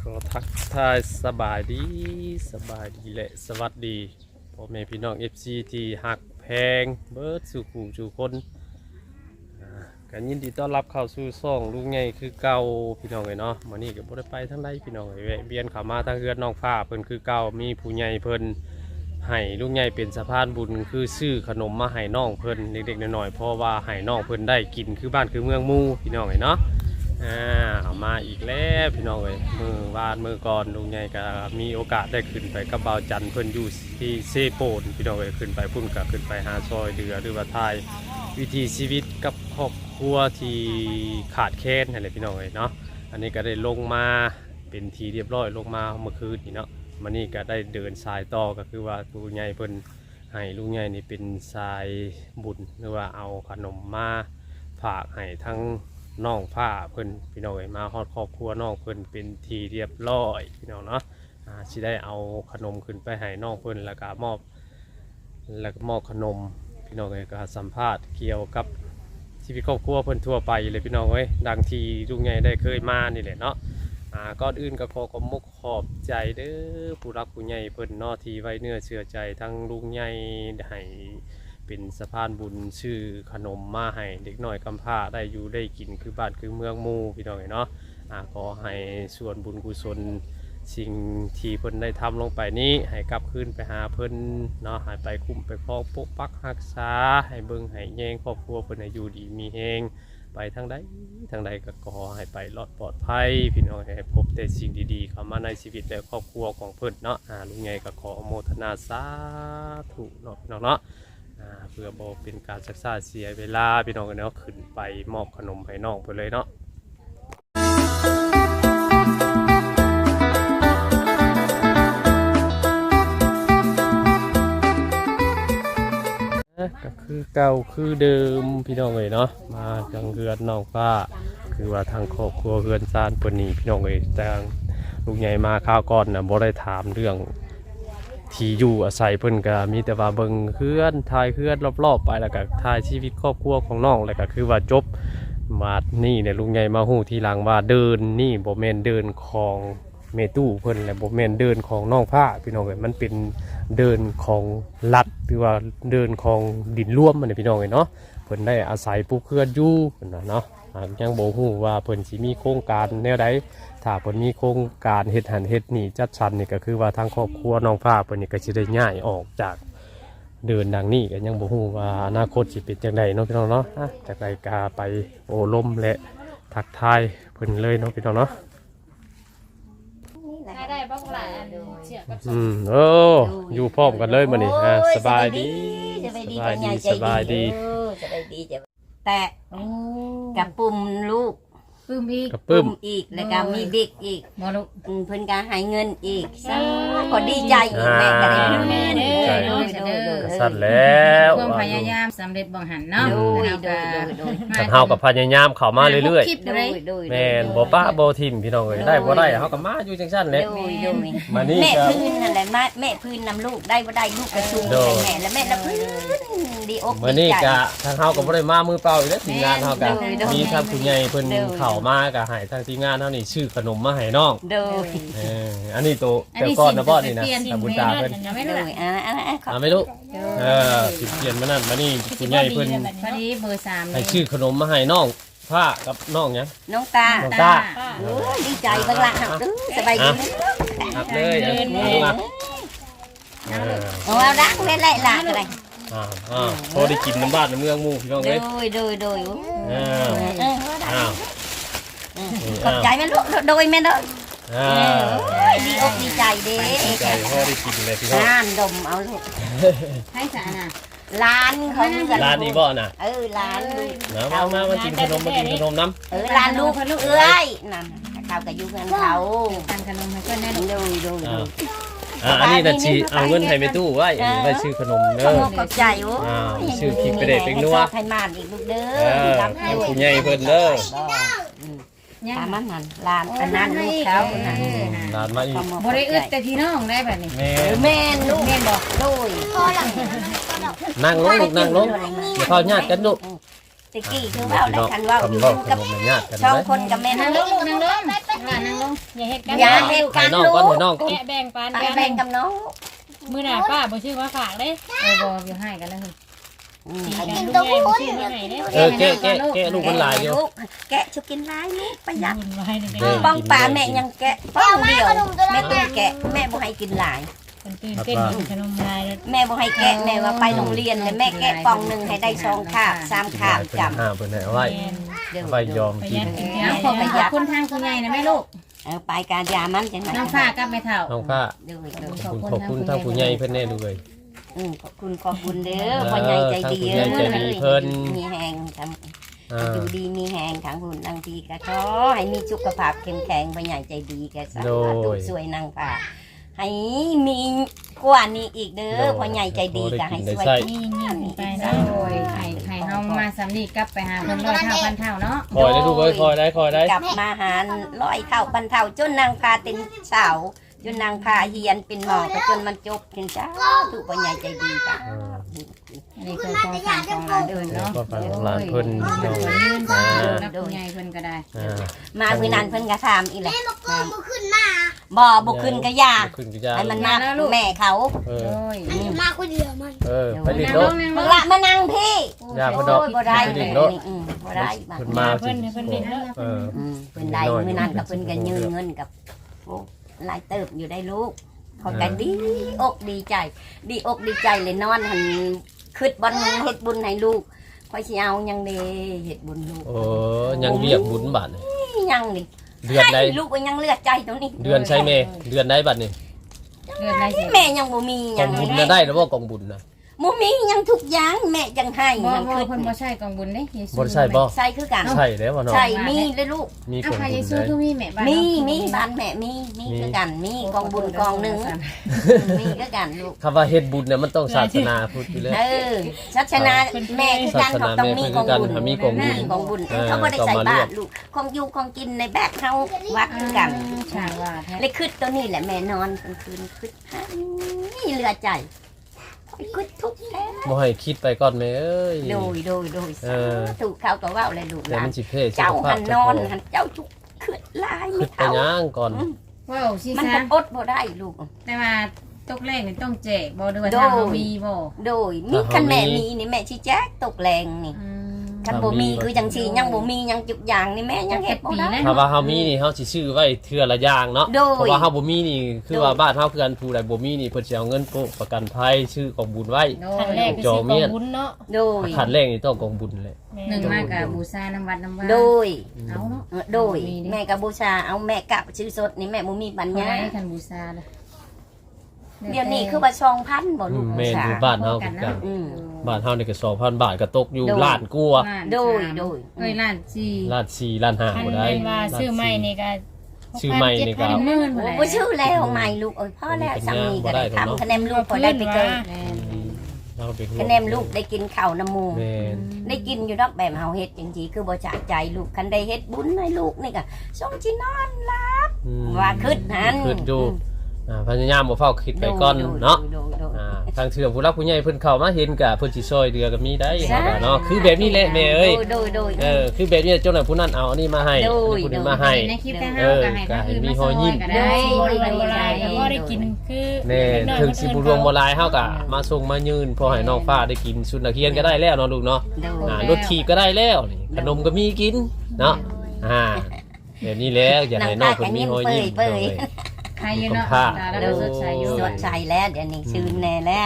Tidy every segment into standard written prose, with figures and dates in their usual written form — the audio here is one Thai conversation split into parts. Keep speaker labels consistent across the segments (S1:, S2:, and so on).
S1: ก็ทักทายสบายดีและสวัสดีพ่อแม่พี่น้อง FC ที่หักแพงเบิร์ดสู่ขู่สู่คนกันยินดีต้อนรับเข้าสู่ซ่องลุงใหญ่คือเก่าพี่น้องเลยเนาะมานี่ก็บ่ได้ไปทางใดพี่น้องเลยแวะเวียนเข้ามาทางเฮือนน้องฟ้าเพิ่นคือเก่ามีผู้ใหญ่เพิ่นให้ลุงใหญ่เป็นสะพานบุญคือซื้อขนมมาให้น้องเพิ่นเด็กๆน้อยๆเพราะว่าให้น้องเพิ่นได้กินคือบ้านคือเมืองหมู่พี่น้องเลยเนาะเอามาอีกแล้วพี่น้องเลยมือวานมือก่อนลุงใหญ่ก็มีโอกาสได้ขึ้นไปกับบ่าวจันเพิ่นอยู่ที่เซโปนพี่น้องเลยขึ้นไปพุ่นก็ขึ้นไปหาซอยเดือหรือว่าทายวิถีชีวิตกับครอบครัวที่ขาดแคลนอะไรพี่น้องเลยเนาะอันนี้ก็ได้ลงมาเป็นทีเรียบร้อยลงมาเมื่อคืนนี่เนาะมานี่ก็ได้เดินสายต่อก็คือว่าลุงใหญ่เพิ่นให้ลุงใหญ่นี่เป็นสายบุญหรือว่าเอาขนมมาฝากให้ทั้งน้องผ้าเพิ่นพี่น้องเอ้ยมาฮอดครอบครัวน้องเพิ่นเป็นทีเรียบร้อยพี่น้องเนาะสิได้เอาขนมขึ้นไปให้น้องเพิ่นแล้วก็มอบขนมพี่น้องเอ้ยก็สัมภาษณ์เกี่ยวกับชีวิตครอบครัวเพิ่นทั่วไปเลยพี่น้องเอ้ยดังที่ลุงใหญ่ได้เคยมานี่แหละเนาะก่อนอื่นก็ขอขอบมุกขอบใจเด้อผู้รักผู้ใหญ่เพิ่นเนาะที่ไว้เนื้อเชื่อใจทั้งลุงใหญ่ให้เป็นสะพานบุญชื่อขนมมาให้เด็กน้อยกำพร้าได้อยู่ได้กินคือบ้านคือเมืองหมู่พี่น้องเนาะขอให้ส่วนบุญกุศลสิ่งที่เพิ่นได้ทำลงไปนี้ให้กลับคืนไปหาเพิ่นเนาะให้ไปคุ้มไปครองปกปักรักษาให้เบิ่งให้แยงครอบครัวเพิ่นให้อยู่ดีมีแฮงไปทางใดก็ขอให้ไปรอดปลอดภัยพี่น้องให้พบแต่สิ่งดีๆเข้ามาในชีวิตและครอบครัวของเพิ่นเนาะลุงใหญ่ก็ขออนุโมทนาสาธุเนาะพี่น้องเนาะเพื่อบ่เป็นการศึกษาเสียเวลาพี่น้องเนาะขึ้นไปมอบขนมให้น้องเพิ่นเลยเนาะก็คือเก่าคือเดิมพี่น้องเลยเนาะมาจังเฮือนน้องฟ้าคือว่าทางครอบครัวเฮือนซานเพิ่นนี่พี่น้องเลยแต่ลุงใหญ่มาข้าวก่อนน่ะบ่ได้ถามเรื่องที่อยู่อาศัยเพิ่นก็มีแต่ว่าเบิ่งเฮือนถ่ายเฮือนรอบๆไปแล้วก็ถ่ายชีวิตครอบครัวของน้องแล้วก็คือว่าจบมานี่เนี่ยลุงใหญ่มาฮู้ทีหลังว่าเดินนี่บ่แม่นเดินของเมตู้เพิ่นและบ่แม่นเดินของน้องผ้าพี่น้องเอ้ยมันเป็นเดินของรัฐหรือว่าเดินของดินร่วมมันพี่น้องเอ้ยเนาะเพิ่นได้อาศัยปลูกเรือนอยู่เพิ่นเนาะยังบ่ฮู้ว่าเพิ่นสิมีโครงการแนวใดถ้าเพิ่นมีโครงการเฮ็ดหันเฮ็ดนี่จัดสรรนี่ก็คือว่าทางครอบครัวน้องผ้าเพิ่นนี่ก็สิได้ย้ายออกจากเดินดังนี้ก็ยังบ่ฮู้ว่าอนาคตสิเป็นจังไดเนาะพี่น้องเนาะจากใดก็ไปโอ้ลมและทักทายเพิ่นเลยเนาะพี่น้องเนาะ
S2: ได้บ้างหลายเชี่ยกับ
S1: โอ้อยู่พร้อมกันเลยมื้อนี้สบายดีสบายดี
S3: จะไปดีจะแต่กับปุ่มลูก
S2: ปึ้มอีก
S1: กับปึ้ม
S3: อีกแล้วก็มีบิ๊กอีก
S2: บ่ลูก
S3: เพิ่นก็ให้เงินอีกก็ดีใจอีกแม่ก็ได้
S2: แม่เด้อ
S1: สั่นแล้ว
S2: ความพยายามสำเร็จบ่หันเนาะ
S1: คันเฮากับพยายามเข้ามาเรื่อยๆแม่นบ่ป้าบ่ทิ่มพี่น้องเอ้ยได้บ่ได้เฮาก็มาอยู่จังซั่นแหละมานี่
S3: แม่พื้นนั่นแหละแม่พื้นนำลูกได้บ่ได้ลูกก็สู้แม่แล้วแม่ละพื้นดีอกดีใจ
S1: มื้อนี้ก็ทางเฮาก็บ่ได้มามือเปล่าอีกแล้วทีมงานเฮาก็มีทางผู้ใหญ่เพิ่นเข้ามาก็ให้ทางทีมงานเฮานี่ชื่อขนมมาให้น้องอันนี้ตัวแต่ก่อนนะบ่นี่นะตาบุญตาเพิ่นไม่รู้สิเปลี่ยนมานั่นมานี่ผู้ใหญ่เพิ่น
S2: พอดีเบอร์3
S1: ให้ชื่อขนมมาให้น้องผ้ากับน้องหยัง
S3: น้องตาโอ้ดีใจเบิ่งล่ะสบายดี
S1: ครับเลย
S3: เอาดังเล่นๆล่ะก็ได้
S1: พอได้กินน้ำบ้านน้ำเมืองหมู่พี่น้องเอ้ย
S3: โดยขอบใจแม่ลูกโดยแม่เด้อดีอกดีใจเด้
S1: ดีใจพอได้กินเลยพี่น้อง
S3: ดมเอาลูก
S2: ให้สะน่ะ
S3: ร้านเขา
S1: ร้านนี้บ่น่ะ
S3: ร้านลูก
S1: มากินขนมน้
S3: ำร้านลูกเอ้ยนั่นเขาก็อยู่เงินเขา
S2: ทานขนมให้เพื่อนได้
S3: ดู
S1: อันนี้น่ะสิเอาเงินให้แม่ตู้ไว้ไว้ชื่อขนมเด้อ
S3: ขอบใจโอ้
S1: ชื่อพริกไปเด็ดเป็นนัว
S3: ให้มานอีกลูกเด้อ
S1: ผู้ใหญ่เพิ่นเด้อ
S3: ตามนั้นร้านอันนั้นลูกเขา
S1: ร้านมาอีก
S2: บ่ได้อึดแต่พี่น้องได้แบบนี้
S3: แม่ลูกแม่บอกโดย
S1: นั่งลงลูกนั่งลงอย่าเข้าญาติกันลูก
S3: ตะกี้คือเว้าได้คันเว้าอยู่
S1: กับ
S3: กับ
S1: ญาติกัน
S3: ช่อง
S1: เลย
S3: คนกับแม่
S2: นั่
S3: นั่
S2: ง
S3: ง
S2: ล
S3: ลู
S2: ง
S3: ก
S2: นั่งลงนั่งลงอย่าเฮ็ดกัน
S3: อย่าเฮ็ดกั
S1: ให้
S3: น
S1: น้อง
S3: ลู
S1: ก่อน
S3: ก
S1: ให้น้อง
S4: แกะแบ่งปัน
S3: ไป
S4: กัน
S3: แบ่งกับน้อง
S4: มื้อหน้าป้าบ่ชื่อว่าฝากเด้
S2: บ่อยู่ให้กันแล้ว
S3: อืม
S4: กินกันลูกใหญ่บ่ชื่อมาให้เด้
S1: แกะลูกมันหลายอยู่
S3: ลูกแกะชุกินหลายลูกประหยัด
S4: บุญไว้นี่
S1: เออ
S3: ป้องปลาแม่ยังแกะป้องเดียวแม่ต้องแกะแม่บ่ให้กินหลาย
S4: คนตื่นเต้นกินขนมลายแล้ว
S3: แม่บ่ให้แกะแม่ว่าไปโรงเรียนเลยแม่แกะปองหนึงให้ได้2คาบ3คาบจำ
S1: เพิ่นให้เอาไว้
S3: เดี๋ยว
S1: ไว้ยอม
S4: ประห
S1: กิ
S4: ยั
S1: น
S4: ดกิน
S2: เอาขอบคุณทางคุณยายนะแม่ลูก
S3: ไปการยามันจังได๋
S2: น้องฟ้ากับแม่เฒ่า
S1: น้องฟ้า
S3: เดี๋ยว
S1: ขอบคุณทางผู้ใหญ่เพิ่นแน่ด้วย
S3: ขอบคุณเด้อพ่อใหญ่ใจดี
S1: ขอบคุณใหญ่ใจดีเพิ่น
S3: มีแหงท
S1: อ่า
S3: ำอยู่ดีมีแหงทั้งหุ่นทั้งทีก็ขอให้มีสุขภาพเข้มแข็งพ่อใหญ่ใจดีแกสาธุสวยนางฟ้าให้มีกว่านี้อีกเด้อพ่อใหญ่ใจดีก็ให้สวย
S4: นี่ไป
S2: โด
S4: นะ
S2: ยให้เฮามาสำนีกลับไปหาเพิ่นร้อยเท่าพันเท่าเนาะ
S1: คอยได้ลูกเอ้ยคอยได้
S3: กลับมาหาร้อยเท่าพันเท่าจนนางพาเป็นสาวจนนางพาเฮียนเป็นหมอก็จนมันจบเป็นเจ้าถูกพ่อใหญ่ใจดีจ้ะ
S2: อันนี้คือของฝากของหลานเอิ้นเนาะ
S1: ก็ฝากของหลานเพิ่น
S2: เพิ่นก็ยืนฟังกับคุณยายเพิ่นก็ได้
S3: มามื้อนั้นเพิ่นก็ถามอีแหละบ่ขึ้นก็ยา
S1: ขึ้นก็ยา
S3: ให้มันมาแม่เขา
S1: เอ
S2: โด
S1: อย
S5: มาคนเดียวมัน
S1: ไปดิ
S2: นั่ง
S1: โด
S2: ลงนั่งล
S3: มึง
S2: ง
S3: ละมานั่งพี่
S1: ยาเพิ่นดอก
S3: โอ้ยบ่ได้
S1: ไป
S3: เล
S1: ดิ
S3: ย
S1: โด
S3: นี่บ่ได้บัด
S1: เพิ่นมา
S4: เพิ่นเพิ่นเด่นแล้ว
S1: เออ
S3: เพิ่นได้มื้อนั้นก็เพิ่นก็ยืนเงินกับโอ้หลายเติบอยู่ได้ลูกเขาก็ดีอกดีใจ ดีอกดีใจเลยนอนหันคิดบ่เฮ็ดบุญให้ลูกค่อยสิเอายังเด้เฮ็ดบุญลูก
S1: โอ้ยังเรียกบุญบาทนี่
S3: ยังนี่
S1: เดือนใด
S3: ให้ลูกก็ยังเลือดใจตรงนี้
S1: เดือนใช่แม่เดือนใดบัดนี่
S2: เดือนได้สิ
S3: แม่ยังบ่มี
S1: ก
S3: ยั
S1: อง
S3: ง
S1: บุญน่ะได้แล้วบ่กองบุญน่ะ
S3: บ่มียังทุกอย่างแม่จังให้
S2: บ่
S3: ยัง
S2: บ่
S3: คิด
S2: เพิ่นบ่ใช่กองบุญเด้เยซู
S1: บ่ได้ใช่บ่
S3: ใส่คือกัน
S1: ใช่แล้วบ่เนาะ
S3: ใช่มีเลยลูก
S1: มีก
S2: เอา
S1: อง
S2: พระ
S1: บุ
S2: เย
S1: ญ
S2: ซู
S1: ได้
S2: คือมีแม่บ้าน
S3: มีบ้านแม่มีคือกันมีกองบุญกองหนึงมีคือกันลูก
S1: คำว่าเฮ็ดบุญเนี่ยมันต้องศาสนาพุทธอยู่แล้ว
S3: ศาสนาแม่คือกันเขาต้องมีกองบุญ
S1: มีกองบุญ
S3: กองบุญเขาบ่ได้ใส่บาตรลูกของอยู่ของกินในแบกเฮาวัดคือกัน
S2: ช่างว่าแท้
S3: เลยคิดตัวนี้แหละแม่นอนกลางคืนคิดนี่เหลือใจคิดทุกแท้
S1: บ่ให้คิดไปก่อนแม่เอ้ย
S3: โดยถูกเขาก็ว่าอะไรลูกห
S1: แต่
S3: ลาน
S1: มันสิเพ่สุ
S3: เจ้า
S1: ขภา
S3: หั
S1: พ
S3: นน
S1: เจ้า
S3: อ
S1: ขอน ง
S3: หันเจ้าทุกขึ้นลาย
S1: คิ
S3: ไม่
S1: ดไป
S3: เท่า
S1: ย่างก่อน
S2: ว้าวสิ
S3: มัน
S2: ซะ
S3: ก็อดบ่ได้ลูก
S2: แต่ว่าตกแรกนี่ต้องแจกบ่ด้วยว่าถ้าเรามีบ่
S3: โดยมีคันแม่มีนี่แม่ชี้แจ๊กตกแรงนี่คันบ่มีคือจังซี่ยังบ่มียังจุกอย่างนี่แม่ยังเฮ็ดบ่ได้
S1: ถ้าว่าเฮามีนี่เฮาสิซื้อไว้เทื่อละอย่างเนาะ
S3: โดย
S1: เพราะว่าเฮาบ่มีนี่คือว่าบ้านเฮาคือกันผู้ใดบ่มีนี่เพิ่นสิเอาเงินโปะประกันภัยซื้อกองบุญไว้
S2: โด
S4: ขั้นแร
S2: ย
S4: กก็สิกองบุญเนาะ
S3: โดย
S1: ขันแรกนี่ต้องกองบุญเลย
S2: หนึ่งมากกับบูชาน้ำวัดน้ำว่า
S3: โดย
S2: เอาเนาะ
S3: โดยแม่ก็บูชาเอาแม่กะชื่อสดนี่แม่บ่มีปัญ
S2: เท่า
S3: ญา
S2: ไรคันบูชาเลย
S3: เดี๋ยวนี้คือว่า2,000บ่ลูก
S1: แม่นอยู่บ้านเฮาคือกัน
S3: อืม
S1: บ้านเฮานี่ก็ 2,000 บาทก็ตกอยู่
S3: โดย
S1: ล้านกว่า
S3: โดย
S2: เอ้ยล้านสี่
S1: ล้าน4ล้าน5
S4: คัน
S1: บ่ได้
S4: เป็นว่าซื้อใหม่นี่ก็
S1: ซื้อใหม่นี่ก็
S2: หมื่น
S3: โอ้บ่ชื่อแล้วใหม่ลูกเอ้ยพ่อแล้วสามีก็ได้ทำคะแนนลูกพอได้ไปเกิด
S2: แม่น
S1: เราเป็น
S3: คะแนนลูกได้กินข้าวน้ำมูก
S1: แม่น
S3: ได้กินอยู่ดอกแบบเฮาเฮ็ดจริงๆคือบ่จะใจลูกคันได้เฮ็ดบุญให้ลูกนี่ก็ส่งสินอนหลับ
S1: อืม
S3: ว่าคิดหัน
S1: คิดอยู่พยายามบ่เฝ้าคิดไปก่อนเนาะ
S3: โดย
S1: ทางเทื่อผู้รักผู้ใหญ่เพิ่นเข้ามาเห็นก็เพิ่นสิซอยเดือก็มีได้เนาะคือแบบนี้แหละแม่เอ้ย
S3: โดย
S1: คือแบบนี้เจ้าหน่อยผู้นั้นเอาอันนี้มาให้ผู้นี้มาให้
S2: ในคลิปแต่ห้าก็ให้คนอื่นมาซอยก็ได้
S4: บ่ได้บ่ได้ก็บ่ได้กินคือ
S1: แน่ถึงสิบุรวมบ่หลายเฮาก็มาส่งมายืนพอให้น้องฟ้าได้กินชุดนักเรียนก็ได้แล้วเนาะลูกเนาะ รถถีบก็ได้แล้วนี่ขนมก็มีกินเนาะแบบนี้แล้วอยากให้น้องเพิ่นมีรอยยิ้ม
S2: ใครอยู่เนาะแล้วสดใสอยู่
S3: สดใสแล้วเดี๋ยวนี้ชื่นแน่แล้ว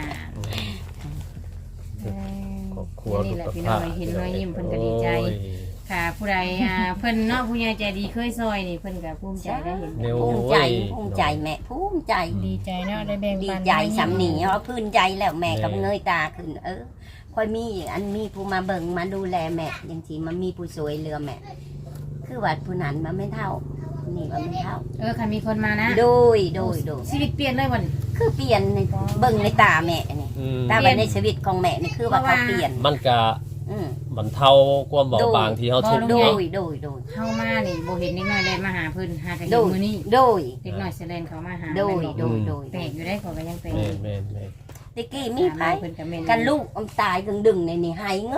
S1: ครอบครัว
S2: นี่แหละพี่น้องเห็นรอยยิ้มเพิ่นก็ดีใจค่ะผู้ใดเพิ่นเนาะผู้ใหญ่ใจดีเคยซอยนี่เพิ่นก็ภูมิใจได้เห็น
S3: ภูมิใจแม่ภูมิใจ
S4: ดีใจเนาะได้แบ่ง
S3: ดี
S4: ปัน
S3: ใจสำนีเพราะพื้นใจแล้วแม่กับเงยตาขึ้นค่อยมีอันมีผู้มาเบิ่งมาดูแลแม่อย่างที่มันมีผู้สวยเรือแม่คือว่าผู้นั้นมันไม่เท่านี่มันไม่เท่า
S2: ค่ะมีคนมานะ
S3: โดย
S2: ชีวิตเปลี่ยนเลยวัน
S3: คือเปลี่ยนในเบิ่งในตาแม่นี่ตาไปในชีวิตของแม่นี่คือว่าเขาเปลี่ยน
S1: มันก็บรรเทาความเบาบางที่เฮาทุกข์
S3: โด
S1: เนาะ
S3: ย
S2: เข้ามานี่บ่เห็นนิดหน่อยแลนมาหาเพิ่นหากันอ
S3: โด
S2: ยู่
S3: ย
S2: มื้อนี้
S3: โดย
S2: เด็กน้อยแสดงเขามาหา
S3: โดย
S2: แปลกอยู่ได้ขอก็ยังแปลก
S1: แม่น
S3: ตะกี้มีไผ
S2: เพิ่นก็แม่น
S3: กันลูกตายดึงในนี่หายงอ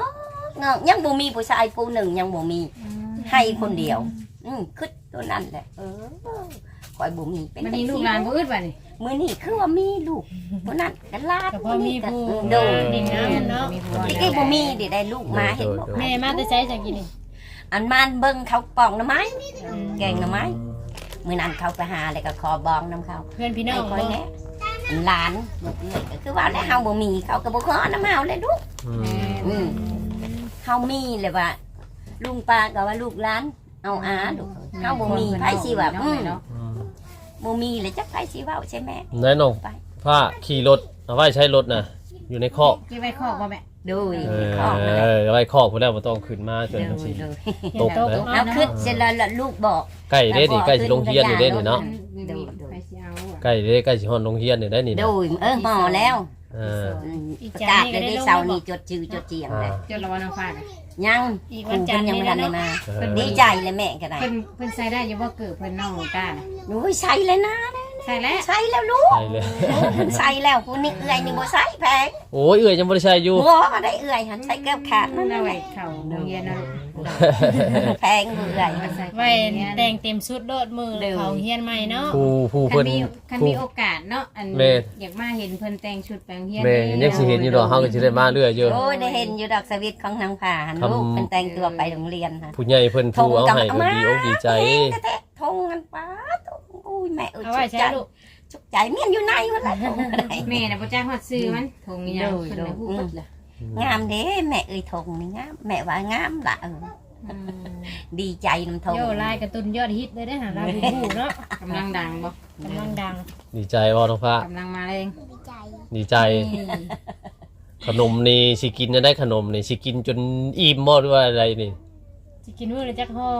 S3: เงายังบ่มีผู้ชายผู้หนึ่งยังบ่มีให้คนเดียวคิดตัวนั้นแหละคอยบ่มีเป็น
S2: มันมีลูกหลานบ่อึดบัดนี่
S3: มื้อนี้คือว่ามีลูกตัวนั้นก็ลาด
S4: ก็พอมีผู้
S3: โดย
S4: ดินน้ำเนาะ
S3: ที่กี้บ่มีได้ลูกมาเห็นบ่
S4: แม่มาแต่ใช้จังกินนี่
S3: อันมานเบิ่งเขาปองหน่อไม้แกงหน่อไม้มื้อนั้นเขาไปหาแล้วก็ขอบองน้ำเขา
S4: เพื่อนพี่น้อง
S3: คอย
S4: บ่
S3: แน่หลานก็คือว่าแล้วเฮาบ่มีเขาก็บ่ขอน้ำเฮาเลยลูกเฮามีเลยว่าลุงป้าก็ว่าลูกหลานเอาอาลูกเฮาบ่มีไผสิว่าบ่มีเลยจักไผสิเว้าใช่แม่
S1: ไหนน้องผ้าขี่รถเอาไว้ใช้รถนะอยู่ในคอก
S2: เก็บไว้คอกบ่แม่
S3: ดู
S1: เอาไว้คอกพุ่นแล้วบ่ต้องขึ้นมาจนมันสิตกเลย
S3: เอาขึ้นเสร็จแล้วลูกบอก
S1: ใกล้เด้นี่ใกล้สิลงเรียนนี่เด้นี่เนาะ
S2: ไปสิเอาอะ
S1: ใกล้เด้ใกล้สิฮอดโรงเรียนนี่ได้นี่นะ
S3: ดูหมอแล้ว
S1: อ่า
S3: ประกาศเลยได้เสาร์นี้จดชื่อจดเจียงเลย
S2: จดละวันอังคารอะ
S3: ยัง
S4: อีก
S3: คุ
S4: วัน
S3: ณ
S4: จันทร์
S3: ยัง
S4: นี่
S3: ไม่ทันได้
S4: เนาะ
S3: มาดีใจเลยแม่ก็ได้
S2: เพิ่นใส่ได้อยู่บ่เกิดเพิ่นน้องกล้าน่ะ
S3: หนูใส่เลยนะ
S2: ใส่แล้ว
S3: ใส่แล้วลูก
S1: ใช่เลย
S3: ใส่แล้วคุณนี่เอื่อยนี่บ่ใส่แพง
S1: โอ้ยเอื้อยยังบ่ได้ใช้อยู่
S3: หัวก็ได้เอื่อยหันใส่แก้วขาดนั่น
S2: เอา
S3: แห
S2: ไว้
S3: ละ
S2: เข้าโรงเรียนเนาะ
S3: แพงเอื่อย
S2: ใส่
S4: ไว้แต่งเต็มชุดโดดมือเขาเฮียนใหม่เนาะ
S1: ผู้
S2: คั
S1: เพิ่
S2: น
S1: น
S2: มีคัน
S1: ผู้
S2: มีโอกาสเนาะอัน
S1: แม่
S2: อยากมาเห็นเพิ่นแต่งชุดแปลงเฮียน
S1: แม่ยังสิเห็นอยู่ดอกเฮาก็สิได้มาเรื่อยอยู่
S3: โอ้ยได้เห็นอยู่ดอกสวิตของนางผ่าหันลูกเป็นแต่งตัวไปโรงเรียนค่ะ
S1: ผู้ใหญ่เพิ่นผู้เอาให้ก็ดีอกดีใจ
S3: ทงกันป้าอุ้ยแม่
S4: เอาไว้ใช้ลูก
S3: จุกใจเมียนอยู่ในวันละทงอะไร
S2: แม่น่ะบ่จักฮอดซื้อมันทงอีหยังเพิ่นน่ะฮู้หมดเลย
S3: งามเด้แม่เอ้ยทงนี่งามแม่ว่างามละดีใจน้ำทง
S4: โยลายการ์ตูนยอดฮิตเลยได้หาเราดูผู้เนาะ
S2: กำลังดังบ่
S4: กำลังดัง
S1: ดีใจบ่น้องฟ้าก
S2: ำลังมาแรง
S1: ดีใจ ขนมนี่สิกินได้ขนมนี่สิกินจนอิ่มบ่หรือว่าอะไรนี่
S4: สิกินมื้อละจักห่อ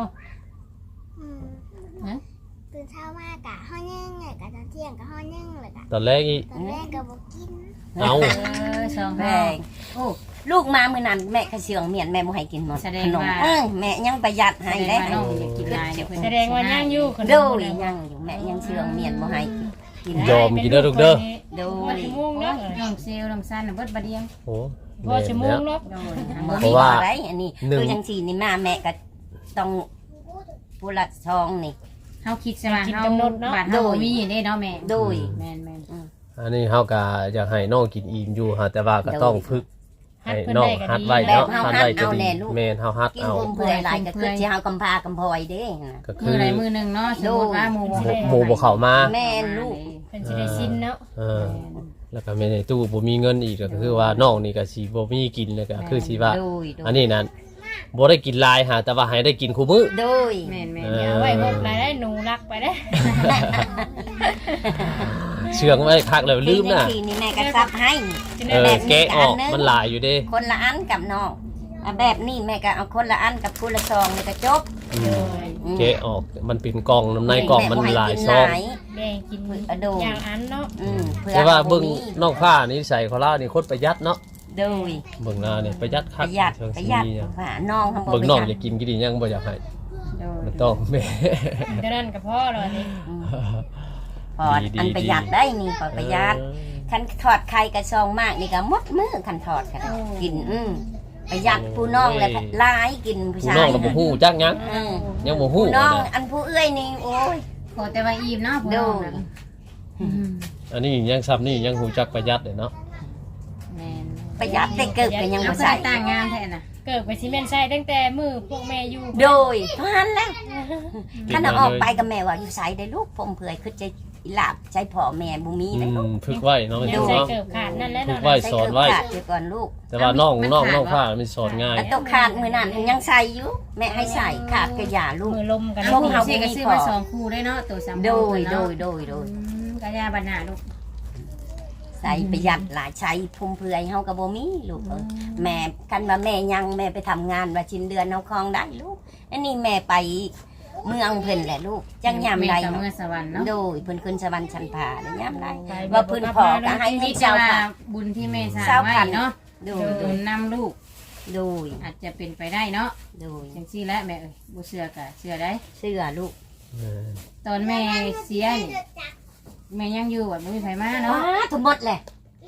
S5: ตื่นเช้ามากะห้อนึ่งเลยกะตอนเที่ยงกะห้อนึ่งเลยกะ
S1: ตอนแรกอี
S5: ตอนแรกกะบอกกิน
S1: เอา
S2: สอง
S3: แพ
S2: แม่
S3: งโอ้ลูกมาเมื่อนั้นแม่กระเชืองเมียนแม่บ่ให้กินหมด
S2: แสดง
S3: ขนม
S2: ว่า
S3: แม่ยังประหยัดให้
S2: ให้
S3: ได้
S2: ได้น้องอยากกินลายเนี่ยเพิ่น
S4: แสดงว่าย่างอยู่ขน
S3: ดู
S4: ม
S3: ยังอยู่แม่ยังเชืองเมียนบ่ให้กิน
S1: ยอมกินเด้อลูกเด้อ
S3: ดู
S4: ว่าชั่วโมงเนาะ
S2: น้องเซลน้องซันน่ะเบิดบาเดียง
S1: โอ้
S4: ว่าชั่วโมงเนาะ
S2: โดย
S3: บ่
S1: เพ
S3: มี
S1: ราะว่า
S3: อะไรอันนี้
S1: หนึ่ง
S3: คือจังซี่นี่มาแม่ก็ต้องผู้ละซองนี่
S2: เฮาคิดซะว่าเฮาบ้านเฮาบ่มีเด้เนาะแม่
S3: โดย
S2: แม่น
S1: อันนี้เฮาก็อยากให้น้องกินอิ่มอยู่ฮะแต่ว่าก็ต้องฝึก
S4: ฮัด
S1: ให้
S4: เพิ่น
S1: น้อง
S4: ได้ก็
S1: ฮัด
S4: ดี
S1: ไว้
S3: แบ
S1: เนาะ
S3: บเฮา
S1: ฮัด
S3: ฮัด
S1: ไว้จะ
S3: เอา
S1: ดี
S3: แน่ลูก
S1: แม่นเฮาฮัด
S3: กิน
S1: เอา
S3: บุมเพื่อยหลายก็คือสิเฮากำพากำพลอยเด้
S1: ก็
S2: ๆ
S1: คื
S2: มื้อ
S1: อ
S2: ใดมื้อหนึงเนาะสมมุติว่าหมู่
S1: หมู่บ่เข้ามา
S3: แม่นลูก
S4: เพิ่นสิได้สิ้นเนาะ
S1: เออแล้วก็แม่ในตู้บ่มีเงินอีกก็คือว่าน้องนี่ก็สิบ่มีกินแล้วก็คือสิว่า
S3: โดยโด
S1: อัน
S3: ย
S1: นี้นั้นบ่ได้กินหลายหาแต่ว่าให้ได้กินคู่มื้อ
S3: โดย
S2: แม่น
S1: เอ
S2: ๆ
S1: อ
S4: เอาไว้พบรายได้หนูรักไปได้
S1: เชื่องไว้คักแล้วลืมน่ะ
S3: ทีนี่แม่ก็ซับให้
S1: เออแกะออกมันหลายอยู่เด้
S3: คนละอันกับน้องแบบนี้แม่ก็เอาคนละอันกับคนละซองนี่ก็จบ
S1: แกะออกมันเป็นกล่องน้ำในกล่องมันหลายซอง
S4: แบ่งกินอย่างอันเนาะ
S1: แต่ว่าเบิ่งนอกผ้านี่ใส่ของเรานี่โคตรประหยัดเนาะ
S3: โดย
S1: เบิ่งหน้านี่ประหยัด
S3: ป
S1: คัก
S3: ระหยัด
S1: เชิง
S3: ประ
S1: สี
S3: หยัด
S1: เนี่ย
S3: ว่าน้องทำบ่
S1: เบิ่ง
S3: ประ
S1: น้อง
S3: หยัด
S1: อยากกินกี่ดียังบ่อยากให้
S2: โดย
S1: มันต้องแม่
S4: เท่านั้นก็พอแล้วนี่
S3: พออันประหยัดได้นี่พอประหยัดคันถอดไข่กระซองมากนี่ก็หมดมือคันถอดกันกินประหยัดผู้น้องเลยลายกินผู้
S1: ผู้
S3: ชา
S1: น้อย งเราบ่ฮู้จักหยังยังบ่ฮู้
S3: ผู้น้อง
S1: นะ
S3: อันผู้เอื้อยนี่โอ้ย
S2: ขอแต่ว่าอิ่มเนาะพ่อน้องน่ะ
S1: อันนี้ยังซ้ำนี่ยังฮู้จักประหยัดเลยเนาะ
S2: แม่น
S3: ประหยัดแต่เกิดก็ยัง
S2: เอา
S3: บ่
S2: ใส่
S3: ใส่
S2: ต่างงามแท้น่ะ
S4: เกิดไปซีเมนต์ใส่ตั้งแต่มือพวกแม่อยู่
S3: โดยเท่านั้นแล้วคันเอาออกไปกับแม่ว่าอยู่ใส่ได้ลูกผมเผื่อคือจะอีหลาบใช้พ่อแม่บ่มีได้ลูก
S1: ฝึกไว้เนาะไม่
S4: ยั
S1: ถู
S4: ง
S1: ก
S4: ใส่
S1: เนาะ
S4: เกิดขาดนั่นแหละ
S1: ฝึ
S4: เนาะ
S1: กไว้สอนไว้
S3: ใส่เสื้อขาดเดี๋ยวก่อนลูก
S1: แต่ว่าน้องผ้ามันสอนง่าย
S3: อันตกขาดมือนั่นยังใส่อยู่แม่ให้ใส่ขาดกระยาลูก
S4: มือลมกัน
S2: ลูก
S3: เฮา
S2: สิก็ซื้อมา2คู่ได้เนาะตัว3
S3: โด
S2: คู่
S3: ยโด
S2: เนาะ
S3: ยโดยโดย
S2: กะยาบัดหน้าลูก
S3: ใส่ประหยัดหลายใช้พุ่มเพื่อยเฮาก็บ่มีลูกแม่กันว่าแม่ยังแม่ไปทำงานว่าชิ้นเดือนเฮาคลองได้ลูกอันนี้แม่ไปเมืองเพิ่นแหละลูกจังยามใด
S2: กับเมื่อสวรรค์เนาะ
S3: โดยเพิ่นขึ้นสวรรค์ชั้นผ่าได้ยามใดว่าเพิ่นขอก็ให้
S2: มี
S3: ให้
S2: เจ้า
S3: เจ้า
S2: ว่า
S3: ค่ะ
S2: บุญที่แม่สร้างไว้เนาะ
S3: โด
S2: โด
S3: ย
S2: นนำลูก
S3: โดย
S2: อาจจะเป็นไปได้เนาะ
S3: โดย
S2: จังซี่แหละแม่เอ้ยบ่เชื่อก็เชื่อได้
S3: เสื้อลูก
S2: ตอนแม่เสียนี่แม่ยังอยู่บ่มีไผมาเนาะ
S3: ว้าทั้งหมดแหละ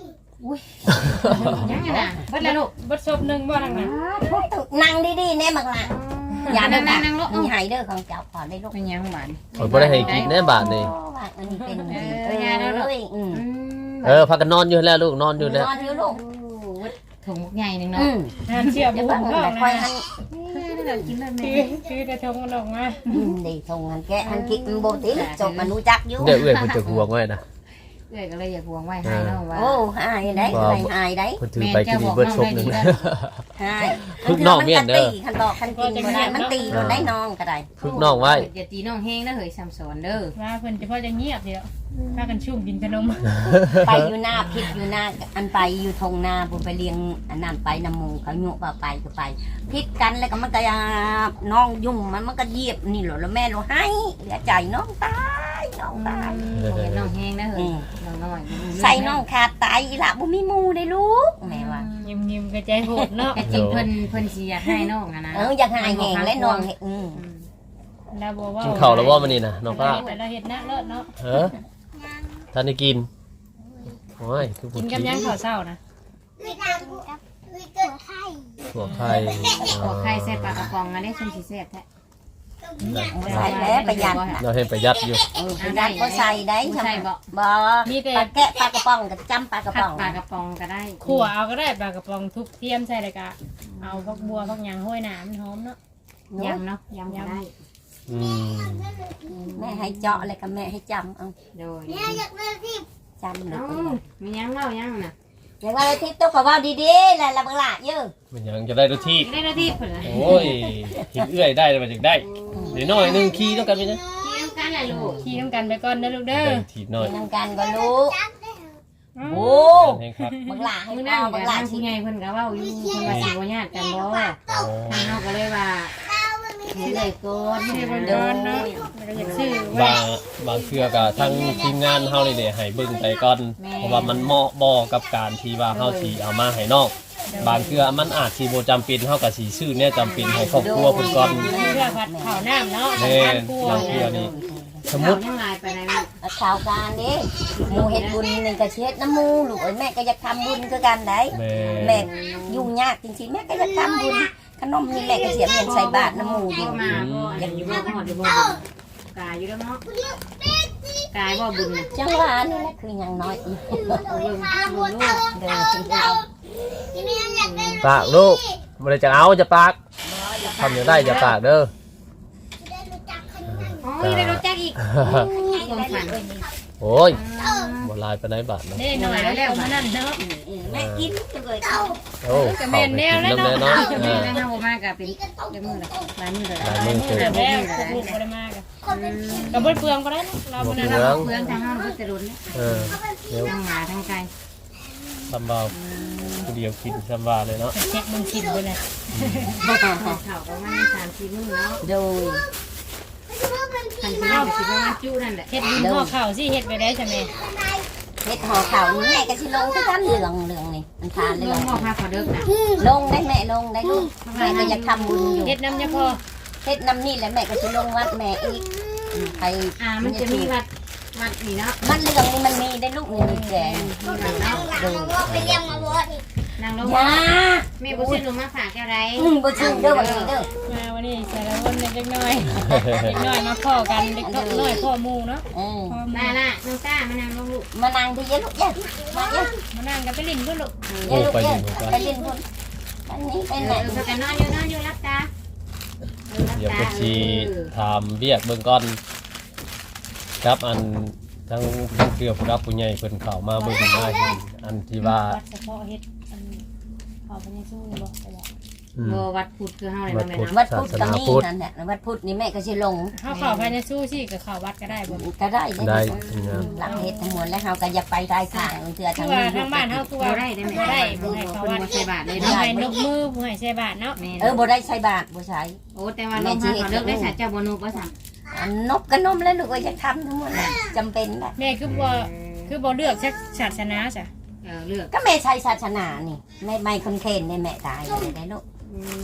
S2: อุ้ยยังไงน่ะเบิดแล้วลูก
S4: บ่ซบหนึงบ่ทางนั้น
S3: นั่งดีๆแน่บักล่ะอย่า
S2: นั่
S3: นั่
S2: ง
S3: ง
S2: นั่งลูก
S3: มีหายเด้อของเจ้าขอได้ลูก
S2: เป็นยังหวาน
S1: ข่อยบ่ได้ให้กินแน่บาทนี่
S3: ว่าอันนี้เป็น
S2: ยาแล้วลูก
S1: พากันนอนอยู่แล้วลูกนอนอยู่แล้ว
S3: นอนอยู่ลูก
S2: ถุงใหญ่นึงเนาะ
S4: ทานเชื่อ
S3: จะ
S4: บุ้
S3: ฟั
S4: ง
S3: ง
S4: ท้อง
S3: แต่
S4: นะ
S3: ค่อยหัน
S2: เรากินแบบ
S4: คื
S2: นี้
S4: คือกระทงมันออกมา
S3: ดีทงหันแกหันคิดโบติจบมันรู้จักอยู่
S1: เดี๋ยวเอื้อยเพิ่นจะห่วงไว้นะ
S2: เอ้ยก็เลยอยากห่วงไว้ให้เนาะว่า
S3: โอ้หายได้หายได้
S1: เพิ่นถือไปกินอีเบิดชบหนึง
S3: หาย
S1: พึกน้องเมียนเด้อ
S3: คันบอกคันกินบ่ได้มันตีโดนได้น้องก็ได้
S1: ฝึกน้องไว้
S2: อย่าตีน้องแห้งนะเฮ้ยซ้ำสอนเด้อ
S4: ว่าเพิ่นจะพอจะเงียบเดียวพากันชุ่มกินขนม
S3: ไปอยู่หน้าพิษอยู่หน้าอันไปอยู่ทงนาผมไปเลี้ยงอันนั้นไปน้ำมูเขาโยกว่าไปก็ไปพิษกันแล้วก็มันก็น้องยุ่งมันก็เยียบนี่เหรอแล้วแม่เราให้เหลือใจน้องตายน้องตาย
S2: น้องแห้งนะเฮ้ยน้องน้อย
S3: ใส่น้องขาดตายอีหละบ่มีหมูได้ลูกแม่ว่า
S4: ยิ้มๆกระใจโหดเนาะ
S2: แต่จริงเพิ่นสิอยากให้น้องอะนะ
S3: อยากหายแหงและน้อง
S4: แล้วบ่ว่า
S1: กินข้าวแล้วบ่มื้อนี้นะน้องป้า
S4: แต่เราเฮ็ดหน้าเลิศเนาะ
S1: ท่านได้กินโอ้ยคือ
S4: กินกับยังข้าวเช้านะ
S5: วิตากับวิเกิดไข่
S1: ถั่วไข่
S2: ขอไข่ใส่ปลากระป๋องอันนี้ชุ่มสิแซ่บแท้
S3: ใส่แล้วประหยัด
S1: เราให้ประหยัดอยู่
S3: ประหยัดก็ใส่ได้
S2: ใส่บ่
S3: บ่
S4: มีแต่
S3: ปลาแกะปลากระป๋องกับจำปลากระ
S2: ผั
S3: ป๋
S2: ด
S3: อง
S2: ปลากระป๋องก็ได้
S4: ขั่วเอาก็ได้ปลากระป๋องทุบเทียมใส่เลยกะเอาพักบัวพักหยางห้อยหนามหอมเนาะ
S2: ยำเนาะยำก็ได้
S1: อืม
S3: แม่ให้เจาะอะไรกับแม่ให้จำเอา
S2: โดย
S5: เนี่ยอยากได้ที่
S3: จำเลย
S2: มียังเล่ายังน่ะ
S3: เดี๋ยวว่าทิพย์ต้องขอว่าดีๆแหละละบังละเยอะ
S1: มันยังจะได้รสที่
S2: ได้หน้าที่เพิ่นน่ะ
S1: โอ้ยเห็นเอื้อยได้มาจากได้เดี๋ยวน้อยหนึงขี้ต้องกันไปนะ
S2: ที่ต้องการอะไรลูก
S4: ขี่น้ำกันไปก่อนนะลูกเด้อ
S1: ได้ถีบน้อย
S3: เป็นน้ำกันก็รู้
S5: จับได้เหรอ
S3: โอ้
S1: เองครับ
S3: บังละให้
S2: มื้อ
S3: พ่
S2: นั้
S3: อน บั
S2: ก็
S3: งละ
S2: ทาง
S3: ชิ
S2: ผู้ใหญ่เพิ่นก็เว้าอยู่เพิ่นว่าสิบ่ญาติกันบ่
S1: อ๋อ
S2: ทางนอกก็เลยว่า
S5: เรามันมี
S2: สิได้ก่อน
S4: ชื่อ
S2: เพิ่
S4: เพิ่
S2: น
S4: น
S2: เด้
S4: เดิ
S2: อน
S4: เนาะเราอยากชื่อบ
S1: า
S4: ไว้
S1: งบางเทื่อก็ทั้งทีมงานเฮานี่เด้ให้เบิ่งไปก่อนเพราะว่ามันเหมาะบ่กับการที่ว่าเฮาสิเอามาให้น้องบางเทื่อมันอาจสิบ่จำเป็นเฮาก็สิซื้อเนี่ยจำเป็นให้ครอบครัวเพิ่นก่อน
S4: เพื่อผัดข้าวน้ำเนาะ
S1: แม่
S4: ทานครัว
S1: บางเทื่อนี่สมมุ
S2: มุ
S1: ติ
S2: ยังลายไปไหนลูก
S3: ข่าวการเด้หมูเฮ็ดบุญหนึ่งกระเช็ดน้ำมูลูกเอ้ยแม่ก็อยากทำบุญคือกันได้
S1: แม่
S3: แม่ยุ่งยากจริงๆแม่ก็อยากทำบุญขนมนี่แม่ก็เสียเงินใส่บาทน้ำมูอยู่
S2: มาบ่อยากอยู่บ่ฮอดอยู่บ่กายอยู่แล้วเนาะกายบ่บุญน่ะ
S3: จังหวะนี่แหละคือยังน้อยอีก
S2: เอาเบิ่งลูก
S3: เดินจริง
S5: ที่นี่อยากได้
S1: ปากลูกบ่ได้จะเอาจะปากทำอย่างได้จะปากเด้อ
S5: ได้รู้จักคน
S2: อ๋อได้รู้จักอีกความฝัน
S1: โอ้ยบ่ลายไปไหนบาทเนาะ
S4: นี่หน่อยแล้วมานั่นเนาะ
S3: แม่กินเลยเอา
S1: โอ้เข้าไปกินน้ำแน่เนาะ
S2: แม่เฮามาก็เป็นเดี๋ยวมื้อละหลายมื้อละ
S1: หลายมื้อเกิน
S4: แต่แล้วลูกบ่ได้มากะกับบ่เปลืองก็ได้เนาะเราบ่ได้
S2: เราเพื่อนทางเฮาก็จะรุน
S1: เออเดี๋ยว
S2: ทั้งหมาทั้งไก่
S1: ทำบาผู้เดียวกินทำบาเลยเนาะ
S4: เช็คมึงกินไปเลย
S2: เขาประมาณ3-4มื้อเนาะ
S3: โดย
S2: คันสิเอาสิประมาณจุนั่นแหละ
S4: เฮ็ดบุญห่อข้าวสิเฮ็ดไปได้ใช่ไหม
S3: เฮ็ดห่อข่าวนี่แม่ก็สิลงคือกันเรื่องนี่มันทาน
S2: ล
S3: เรื่อง ง
S2: บ่พาขอเด้อนะ
S3: ลงได้แม่ลงได้ลูกแม่ก็อยากทำบุญอยู่
S4: เฮ็ดน้ำยาพอ
S3: เฮ็ดน้ำนี่แหละแม่ก็สิลงวัดแม่อีกไป
S2: มันจะมีวัดนี่เนาะ
S3: มันเรื่องนี่มันมีได้ลูกนี่มีแกง
S2: มีเนาะ
S5: หลังว่าไปเลี้ยงมาบดอีก
S2: นางลง
S3: ยา
S2: แม่บ่ซื้อหนูมาฝากแก้วใด
S3: บ่ชื่อเด้อวันนี้เด้อ
S4: มาวันนี้สารวนเล็กน้อยเล็กน้อยมาพ่อกันเล็กน้อยพ่อหมู่เนาะ
S3: เออ
S4: พ่อห
S2: มา
S4: มู่
S2: ล่ะน้องต้ามานางลงลูก
S3: มานั่งที่เยอะลูกเยอะมาเยอะ
S4: มานั่งกันไปลิ้นก็ลูก
S3: เยอะลูกเยอะไปเล่นพุ่นอันนี้เป็นไหน
S2: สกันนอนอยู่รับตา
S1: เดี๋ยวก็สิถามเรียกเบิ่งก่อนครับอันทั้งเกือบผู้รับผู้ใหญ่เพิ่นเข้ามาเบิ่งมาเห็นอันที่ว่า
S4: วัดเฉพาะเฮ็ดอันขอพระเยซูบ่ไปแล้ว
S2: บ่วัดพุทธคือเฮาเลยบ่แม่น
S3: วัดพุทธก็มีนั่นแหละวัดพุทธนี่แม่ก็สิลง
S4: เฮาเข้าพระเยซูสิก็เข้าวัดก็ได้บ่
S3: ก็ได้
S1: ได้
S3: หลังเฮ็ดทั้งมวลแล้วเฮาก็อยากไปได้ทางเทื่อ
S4: คื
S3: ทา
S4: อง ว่าทางบ้านเฮาคือ
S2: บ่
S4: ว่า
S2: ได้ได้
S4: บ่
S2: แม่
S4: ได้
S2: บ่
S4: บ่
S2: ให้
S4: ให้
S2: เขา
S4: เข้า
S2: วั
S4: วั
S2: ด
S4: ด
S2: บ่ใส่บาทเลย
S4: บ่
S2: เนาะ
S4: ให้นกมือบ่ให้ใส่บาทเนาะ
S3: บ่ได้ใช้บาทบ่ใช้
S2: โอ้แต่ว่าลงมาขอเลิกได้สาเจ้าบ่นูบ่สั่ง
S3: อันนกก็นมแล้วลูกก็อยากทำทั้งหมดจำเป็นแหละ
S4: แม่คือบ่เลือกศาสนาจ้ะ
S2: เลือก
S3: ก็แม่ใช้ศาสนานี่ไม่คนเคนในแม่ตายเลยได้ลูก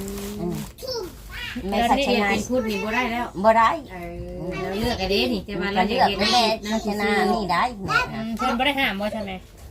S3: แม่ศาสนา
S2: เป็นพุทธนี่บ่ได้แล้ว
S3: บ่ได้
S2: เราเลือกไอ้เด้นี่แต่ว่าเรา
S3: ก็
S2: อยา
S3: เลื
S2: ก
S3: อก
S2: เฮ็ด
S3: แม่ศาสนานี่ได้แม่
S4: เพิ่นบ่ได้ห้ามบ่ใช่ไหม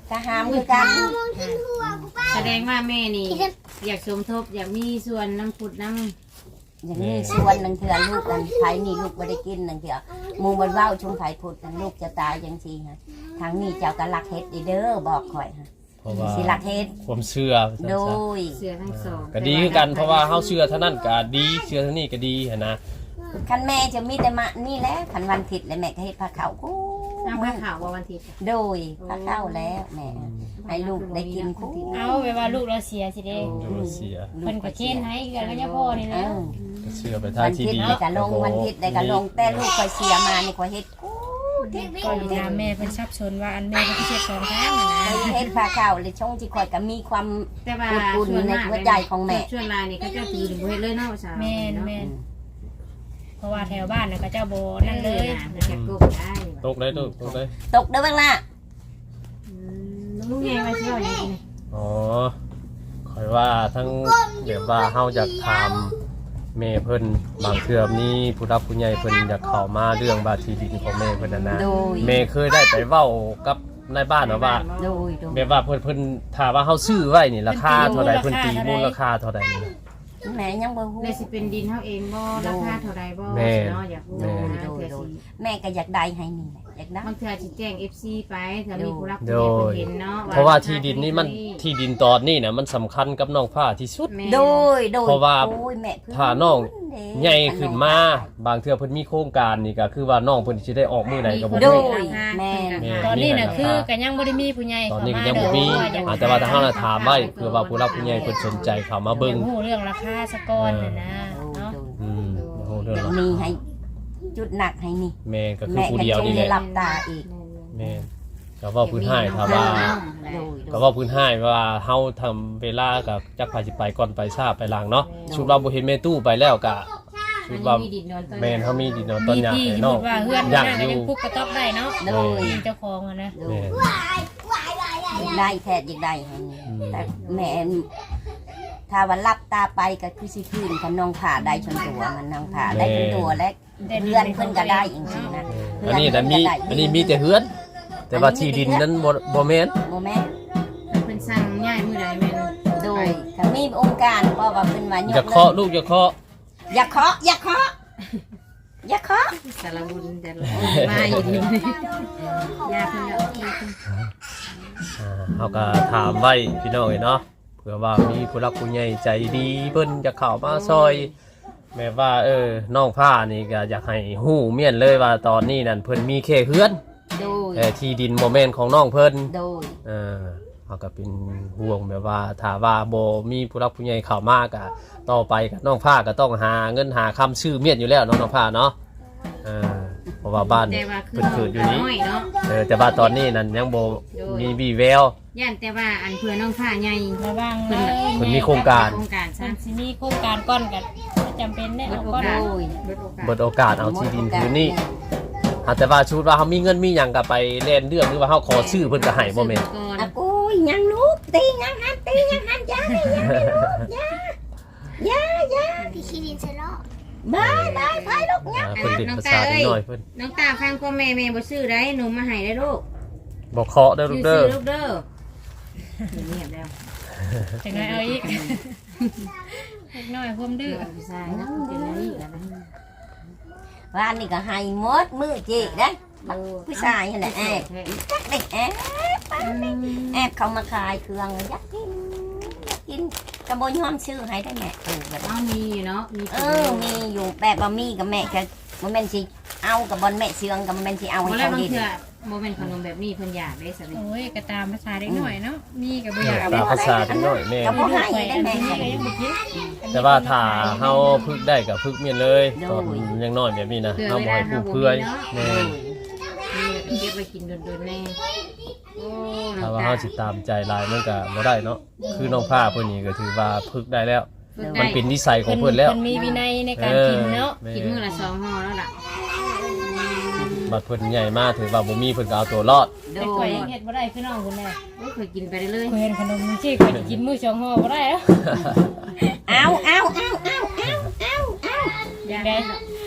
S3: ก็หามคือกัน
S2: แสดงว่าแม่นี่อยากสมทบอยากมีส่วนน้ำพุดน้
S3: อย่างนี้ส่วนนึงเถื่อลูกกันไผนี่ลูกบ่ได้กินนึงเถื่อหมู่มันเว้าชุมไผพุดกันลูกจะตายจังซี่ฮะทางนี้เจ้าก็รักเฮ็ดเด้อบอกข่อยฮะ
S1: เพราะว่า
S3: สิรักเฮ็ด
S1: ความเชื่อ
S3: โดย
S2: ำเสือทั้งสอง
S1: ก็ดีคือกันเพราะว่าเฮาเชื่อเท่านั้นก็ดีเชื่อเท่านี้ก็ดีหันนะ
S3: คันแม่จะมีแต่มานี่แหละคันวันอาทิตย์แล้วแม่ก็เฮ็ดผ้าขาวกู
S2: น้ำผ้าขาววันอาทิตย์
S3: โดยผ้าขาวแล้วแม่ให้ลูกได้กินกู
S4: เอาไปว่าลูกเราเสียสิเด้
S1: เดี๋ยวเสีย
S4: เพิ่นก็เช่นให้กันก็ยังพ่อนี่
S3: เอ
S4: แหล้ว
S3: อ
S1: ก็เชื่อไปทา
S3: วั
S1: ง
S3: น
S1: ที่
S3: อาทิตย์
S1: ดี
S3: ได้ก็ลงวันอาทิตย์ได้ก็ลงแต่ลูกข่อยเสียมานี่ข่อยเฮ็ดกูที่
S4: ก็อยู่ตามแม่เพิ่นชับชนว่าอันแม่เพิ่นเช็ด2ครั้งนะ
S3: ข่อยเฮ็ดผ้าขาวเลยช่องที่ข่อยก็มีความ
S2: แต่ว่า
S3: อุ่นๆในหัวใจของแม่
S2: ช่วงลายนี่ก็จะตีถึงเฮ็ดเลยเนาะสาว
S4: แม่นแม่นเพราะว่าแถวบ้านน่ะก็เจ้าโบนั่นเลย
S2: จะกบได้
S1: ตกได้ตกได้
S3: ตกเด้อบ้างล่ะ
S2: ลูกใหญ่มาเที่ยวอย่างนี้
S1: อ๋อคอยว่าทั้งแบบว่าเฮาอยากถามแม่เพิ่นบางเทื่อมีผู้รับผู้ใหญ่เพิ่นอยากเข้ามาเรื่องบาที่ดินของแม่เพิ่นน่ะนะ
S3: โดย
S1: แม่เคยได้ไปเว้ากับนายบ้านว่า
S3: โดยโดย
S1: แบบว่าเพิ่นถามว่าเฮาซื้อไว้นี่ราคาเท่าใดเพิ่นตีมูลค่าเท่าใดนี่
S3: แม่ยังบ่ฮู้
S2: เลยสิเป็นดินเฮาเองบ่ราคาเท่าใดบ่
S1: แม่
S2: เนาะอยากรู้
S3: โดย
S2: นะ
S3: โดย
S2: เทื่อ
S3: โดย
S2: สิ
S3: แม่ก็อยากได้ให้นี่แหละอยากได้
S2: บางเทื่อสิแจ้ง FC ไปถ้ามีผู้รับ
S1: โด
S2: ผู้ใหญ่
S1: ย
S2: เพิ่นเห็นเนาะ
S1: เพราะว่าที่ดินนี่มันที่ดินตอนนี้น่ะมันสำคัญกับน้องผ้าที่สุด
S2: แม่
S3: โดยโดย
S1: เพราะว่า
S3: โอ้ยแม่เพิ่
S1: ถ้าน้อง
S3: เด้
S1: ใหญ่ขึ้นมาบางเทื่อเพิ่นมีโครงการนี่ก็คือว่าน้องเพิ่นสิได้ออกมื้อใดก็บ่
S3: โด
S1: รู้
S3: ยแม่
S4: ตอนนี้น่ะคือก็ยังบ่ได้มีผู้ใหญ่
S1: ตอน
S4: เข้า
S1: นี้ก็
S4: มา
S1: ยังบ่มี
S4: อยาก
S1: แต่ว่าถ้าเฮาน่ะถามไว้เพื่อว่าผู้รับผู้ใหญ่เพิ่นสนใจเข้ามาเบิ่ง
S4: ฮู้เรื่องราคาสะก่อนน่ะนะ
S3: โดย
S4: เนาะ
S3: โดย
S1: โอ้เรื่
S3: อ
S1: อง
S3: ยากมีให้จุดหนักให้นี่
S1: แม่ก็คือ
S3: แม่
S1: ผู้
S3: ก็
S1: เดียว
S3: จง
S1: นี่แห
S3: ได้
S1: ละ
S3: รับตาอีก
S1: แม่ก็เว้าพื้นให้ถ้าว่า
S3: โดยโด
S1: ก็
S3: ย
S1: เว้าพื้นให้ว่าเฮาทำเวลากับจักพาสิไปก่อนไปทราบไปหลังเนาะชุดว่าบ่เห็นแม่ตู้ไปแล้วก็ชุดว่าแม่นเฮามีดินนอนต้น
S4: มี
S1: หญ้า
S4: ที่
S1: ให้
S4: สม
S1: น้อ
S4: มุ
S1: ง
S4: ติว่าเฮือน
S1: ย่าง
S4: นั่น
S1: อ
S4: ก็
S1: ยู่
S4: ยังปลูกกระต๊อบได้เนาะ
S3: โดย
S4: มีเจ้าของอ่ะนะ
S3: โด
S1: แม่
S3: ย
S1: น
S3: อยากได้แท้อยากได้ให้นี่แต่แม่ถ้าว่ารับตาไปก็คือสิคืนกับน้องผ่าได้ชนตัวมันน้องผ่าได้ชนตัวและเพื่อนเพิ่นก็ได้จริงๆนะ
S1: อันนี้น่ะมีอันนี้มีแต่เฮือน แต่ว่าที่ดินนั้นบ่แม่น
S3: โมแม่
S2: เพิ่นสั่งย้ายมื้อใดแม่น
S3: โดยถ้ามีองค์การเพราะว่าเพิ่นว่า
S1: อย่าเคาะลูกอย่าเคาะ
S3: อย่าเคาะอย่าเคาะอย่าเคาะ
S2: สารบุญแต่ละมาอยู่นี่ยาเพิ่นเอาที่เพิ่น
S1: เฮาก็ถามไว้พี่น้องเนาะเผื่อว่ามีผู้รักผู้ใหญ่ใจดีเพิ่นจะเข้ามาซอยแม่ว่าน้องผ้านี่ก็อยากให้ฮู้เมียนเลยว่าตอนนี้นั่นเพิ่นมีแค่เฮือน
S3: โดย
S1: แต่ที่ดินบ่แม่นของน้องเพิ่น
S3: โดย
S1: เฮาก็เป็นห่วงแบบว่าถ้าว่าบ่มีผู้รักผู้ใหญ่เข้ามาก็ต่อไปก็น้องผ้าก็ต้องหาเงินหาคำชื่อเมียนอยู่แล้วเนาะน้องผ้าเนาะเพราะว่าบ้าน
S2: แต่ว่าคือ
S1: เพิ่นเกิดอยู่นี้
S2: น้อยเนาะ
S1: แต่ว่าตอนนี้นั่นยังบ่มีวี่แวว
S2: ย่านแต่ว่าอันเพื่อน้องผ้าใหญ่
S4: ระวังเลย
S1: เพิ่นมีโครงการ
S2: โครงการ
S4: มั
S2: ซะ
S4: นสิมีโครงการก้อนกันจำเป็นได้เอาก้อน
S3: โดย
S2: เบิดโอกาส
S1: เบิดโอกาสเอาที่ดินคืนนี้แต่ว่าชุดว่าเขามีเงินมีหยังก็ไปเล่นเรื่องหรือว่าเขาขอชื่อเพิ่นก็ให้บ่แม่น
S2: ก่อน
S3: อ่ะกูยังลูกตียังหันตียังหันยาเลยยาเลยลูกยายา
S5: พี่คิรินเซโร่
S3: บายบายไปลูกเนี่ย
S1: เพิ่นเด็กภาษานิดหน่อยเพิ่น
S2: น้องตาฟังพ่อแม่บ่ซื้อได้หนูมาให้ได้ลูก
S1: บ่เคาะเด้อลูกเด้อ
S2: ลูกเด้อเงียบแล้ว
S4: ถึงไงเอาอีกเล็กน้อยความดื้อ
S2: ผู้ชายนะเป็นอะไรอีกแล้วนะ
S3: ว่านี่ก็ให้หมดมือจีได้ผู้ชายนี่แหละแอบจักเด็กแอบแอบเขามาขายเครื่องอยากกินกระบวนย้อมชื่อให้ได้แม่แบบ
S2: อ้าวมีอยู่เนาะมี
S3: มีอยู่แบบบะหมี่กับแม่แค่มันเป็นสิเอากับบอลแม่เชืองกับมันเป็นสิเอา
S2: บ่
S3: ให้
S2: แล้ว
S3: เขา
S2: บาง
S3: ดิน
S2: เทื่อบ่แม่นขนมแบบนี้เพิ่นอยากได้ซะนี่
S4: โอ้ยก็ตามภาษาเล็กน้อยเนาะมีกับบ่อยาก
S1: ตามภาษานิดหน่อยแม่
S3: ก็บ่ให้
S4: ข่อย
S3: ได้
S4: อัน
S3: แม่
S4: นี้ก็ยังบ่กิน
S1: แต่ว่าถ้าเฮาพึกได้ก็พึกเมียนเลยตอนยังน้อยแบบนี้นะเฮาบ่ให้ผู้เพื่อยแม่น
S2: มีเก็บไว้กินโดนๆแน่โอ้น้
S1: ถ้า
S2: อง
S1: ว่า
S2: ตา
S1: เฮาสิตามใจหลายมันก็บ่ได้เนาะคือน้องผ้าเพิ่นนี่ก็ถือว่าพึกได้แล้ว มันเป็นนิสัยของเพิ่นแล้ว
S4: เพิ่นมีวินัยในการกินเนาะ
S1: แม่
S2: กินมื้อละ2ห่อแล้วล่ะ
S1: บัดเพิ่นใหญ่มากถือว่าบ่มีเพิ่นก็เอาตัวรอด
S3: โด
S4: แต่ข่อย ยยังเฮ็ดบ่ได้คือน้องคุณแน่
S2: โอ้เคยกินไปเรื่อย
S4: ข่อยเห็นขนมจี้ข่อยสิกินมื้อ2ห่อบ่ได้แล้ว
S3: เอา
S4: อย่างใด
S1: อ่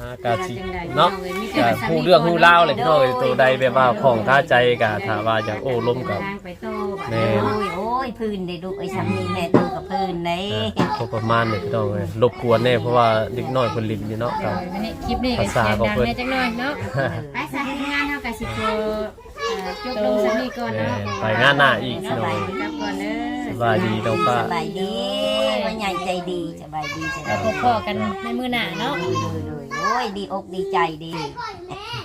S1: กะสิเนาะกะฮู้เรื่องฮู้ราวเลยพี่น้องเอ้ยตัวใดแบบว่าของคาใจกะถ้าว่าอยากโอ้ล้มกับ
S2: ทางไปโตบัด
S1: แม่
S3: โอ้ยพื้นได้ลูกไอ้สามีแม่ตู้กับพื้นได้
S1: พอประมาณนี้พี่น้องเอ้ยรบกวนแน่เพราะว่าเด็กน้อยเพิ่นลิ้นอยู่เนาะครับ
S4: วันนี้คลิปนี้ก็เสียงดังแน่จังหน่อยเนาะ
S2: ไปสายงานเฮาก็สิโตจบลงซะนี่ก่อนเนาะ
S1: ไปงานหน้าอีก
S2: ส
S1: พี่น้อง
S2: บาย
S1: เอ้ย
S2: ดีก่อนเด้อ
S1: สบายดีน้องป้า
S3: สบายดีว่าใหญ่ใจดีสบายดี
S4: แล้วพบกันในมื้อหน้าเนาะ
S3: โอ้ยดีอกดีใจดี